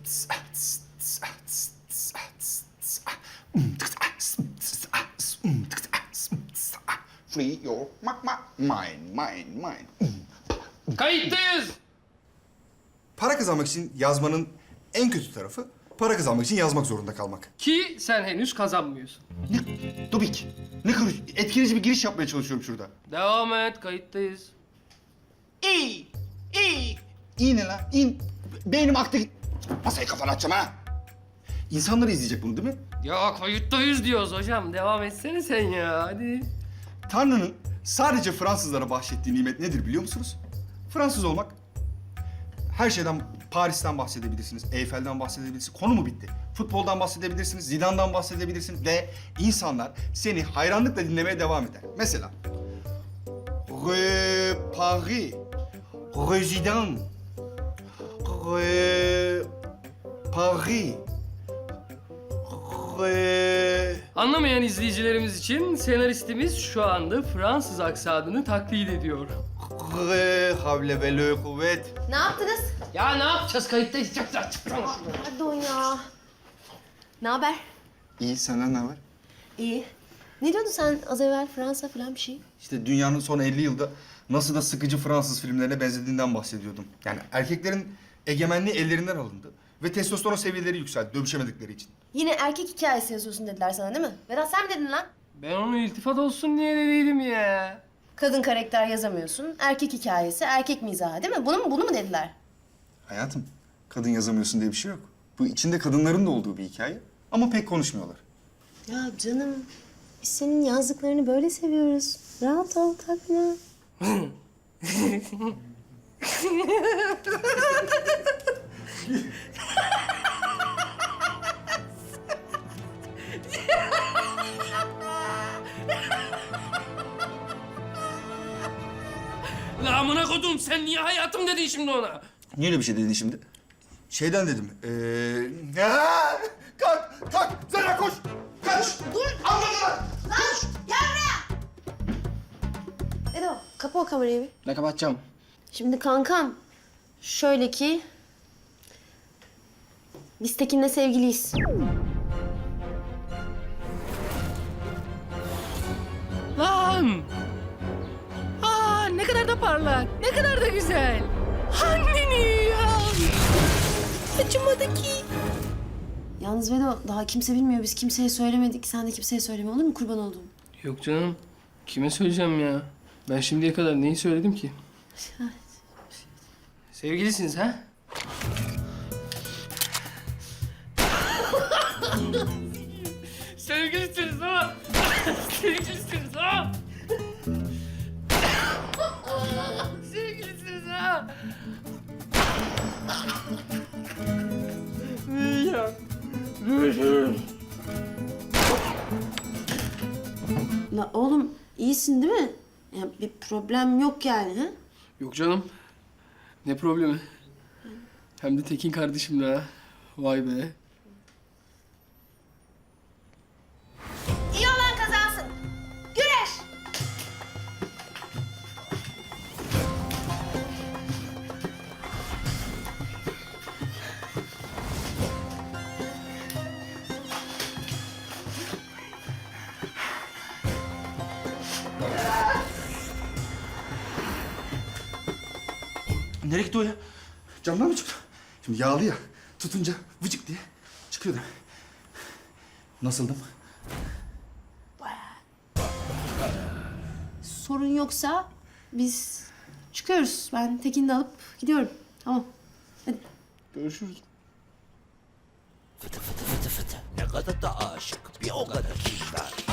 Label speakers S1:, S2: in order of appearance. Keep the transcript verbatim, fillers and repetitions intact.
S1: Free your ma ma mind, mind, mind.
S2: Kayıttayız.
S3: Para kazanmak için yazmanın en kötü tarafı para kazanmak için yazmak zorunda kalmak.
S2: Ki sen henüz kazanmıyorsun.
S1: Ne? Dubik. Ne karış... Etkileyici bir giriş yapmaya çalışıyorum şurada.
S2: Devam et, kayıttayız.
S1: İyi, iyi. İyi ne lan? İyi. Beynim aktı. Masayı kafana atacağım ha. İnsanlar izleyecek bunu değil mi?
S2: Ya kayıttayız diyoruz hocam. Devam etsene sen ya, hadi.
S3: Tanrı'nın sadece Fransızlara bahşettiği nimet nedir biliyor musunuz? Fransız olmak. Her şeyden, Paris'ten bahsedebilirsiniz, Eyfel'den bahsedebilirsiniz. Konu mu bitti? Futboldan bahsedebilirsiniz, Zidane'dan bahsedebilirsiniz ve insanlar seni hayranlıkla dinlemeye devam eder. Mesela Rue Paris, Rue Zidane, Rue Paris, Rue...
S2: Anlamayan izleyicilerimiz için senaristimiz şu anda Fransız aksanını taklit ediyor.
S3: Rue Havle ve le Kuvvet.
S4: Ne yaptınız?
S2: Ya ne yapacağız? Kayıttayız. Çık, çık, çık.
S4: Pardon ya. Ne haber?
S3: İyi, senden ne haber?
S4: İyi. Ne diyordun sen az evvel Fransa falan bir şey?
S3: İşte dünyanın son elli yılda nasıl da sıkıcı Fransız filmlerine benzediğinden bahsediyordum. Yani erkeklerin egemenliği ellerinden alındı ve testosteron seviyeleri yükseldi dövüşemedikleri için.
S4: Yine erkek hikayesi yazıyorsun dediler sana değil mi? Vedat sen mi dedin lan?
S2: Ben onu iltifat olsun diye dediydim ya.
S4: Kadın karakter yazamıyorsun, erkek hikayesi, erkek mizahı değil mi? Bunu mu, bunu mu dediler?
S3: Hayatım, kadın yazamıyorsun diye bir şey yok. Bu içinde kadınların da olduğu bir hikaye ama pek konuşmuyorlar.
S4: Ya canım, biz senin yazdıklarını böyle seviyoruz. Rahat ol, takma.
S2: La amına kodum, sen niye hayatım dedin şimdi ona?
S3: Niye öyle bir şey dedin şimdi? Şeyden dedim. Ee... Ha! Kalk, kalk! Zara koş! Kaç! Dur! Anladın!
S4: Lan, gel buraya! Edo, kapa o kamerayı bir.
S2: Ne kapatacağım?
S4: Şimdi kankam, şöyle ki... Biz Tekin'le sevgiliyiz.
S2: Lan! Aa, ne kadar da parlak, ne kadar da güzel. Anneni ya!
S4: Acımadı ki. Yalnız Vedo, daha kimse bilmiyor. Biz kimseye söylemedik. Sen de kimseye söyleme olur mu? Kurban olduğum.
S2: Yok canım, kime söyleyeceğim ya? Ben şimdiye kadar neyi söyledim ki? Sevgilisiniz ha? Sevgilisiniz ha? Sevgilisiniz ha? Sevgilisiniz ha? Ya.
S4: La oğlum, iyisin değil mi? Ya bir problem yok yani ha?
S2: Yok canım. Ne problemi? Hem de Tekin kardeşimle ha. Vay be.
S4: İyi olan kazansın. Güreş!
S3: Nereye gitti o ya? Camdan mı çıktı? Şimdi yağlı ya. Tutunca vıcık diye çıkıyordu. Nasıldım?
S4: Sorun yoksa biz çıkıyoruz. Ben Tekin'i de alıp gidiyorum. Tamam. Hadi.
S3: Görüşürüz.
S5: Ne kadar da aşık, bir o kadar kibar.